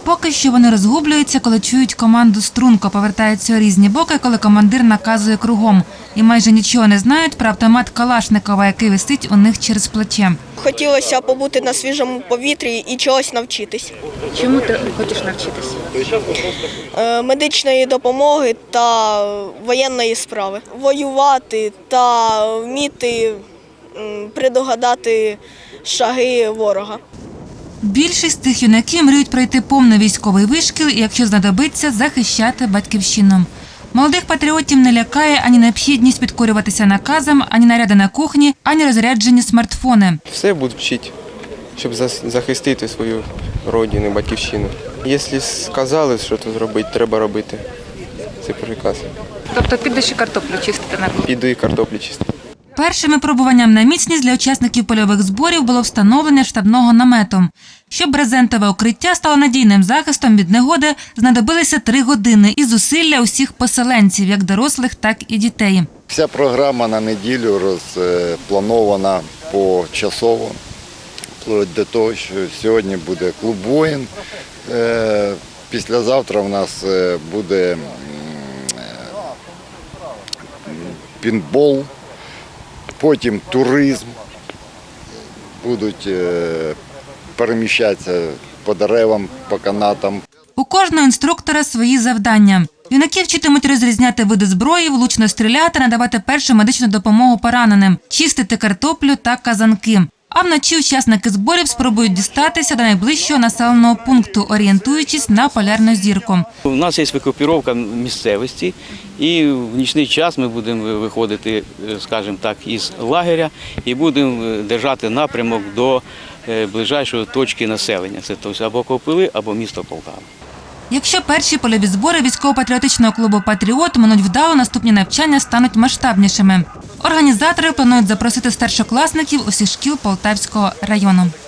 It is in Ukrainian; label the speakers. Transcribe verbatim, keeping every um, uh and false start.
Speaker 1: Поки що вони розгублюються, коли чують команду «Струнко», повертаються у різні боки, коли командир наказує кругом. І майже нічого не знають про автомат Калашникова, який висить у них через плече.
Speaker 2: Хотілося побути на свіжому повітрі і чогось навчитись.
Speaker 3: Чому ти хочеш навчитися?
Speaker 2: Медичної допомоги та воєнної справи. Воювати та вміти предугадати шаги ворога.
Speaker 1: Більшість тих юнаків мріють пройти повний військовий вишкіл і, якщо знадобиться, захищати батьківщину. Молодих патріотів не лякає ані необхідність підкорюватися наказам, ані наряди на кухні, ані розряджені смартфони.
Speaker 4: Все будуть вчити, щоб захистити свою родину, батьківщину. Якщо сказали, що це зробити, треба робити. Це приказ.
Speaker 3: Тобто підеш і картоплю чистити на кухні?
Speaker 4: Піду і картоплю чистити.
Speaker 1: Першим випробуванням на міцність для учасників польових зборів було встановлення штабного намету. Щоб брезентове укриття стало надійним захистом від негоди, знадобилися три години і зусилля усіх поселенців, як дорослих, так і дітей.
Speaker 5: Вся програма на неділю розпланована почасово, вплоть до того, що сьогодні буде клуб воїн, післязавтра у нас буде пінбол. Потім туризм, будуть переміщатися по деревам, по канатам.
Speaker 1: У кожного інструктора свої завдання. Юнаки вчитимуть розрізняти види зброї, влучно стріляти, надавати першу медичну допомогу пораненим, чистити картоплю та казанки. А вночі учасники зборів спробують дістатися до найближчого населеного пункту, орієнтуючись на полярну зірку.
Speaker 6: У нас є викопіровка місцевості, і в нічний час ми будемо виходити, скажімо так, із лагеря і будемо держати напрямок до ближайшої точки населення. Це тобто або Копили, або місто Полтава.
Speaker 1: Якщо перші польові збори військово-патріотичного клубу «Патріот» минуть вдало, наступні навчання стануть масштабнішими. Організатори планують запросити старшокласників усіх шкіл Полтавського району.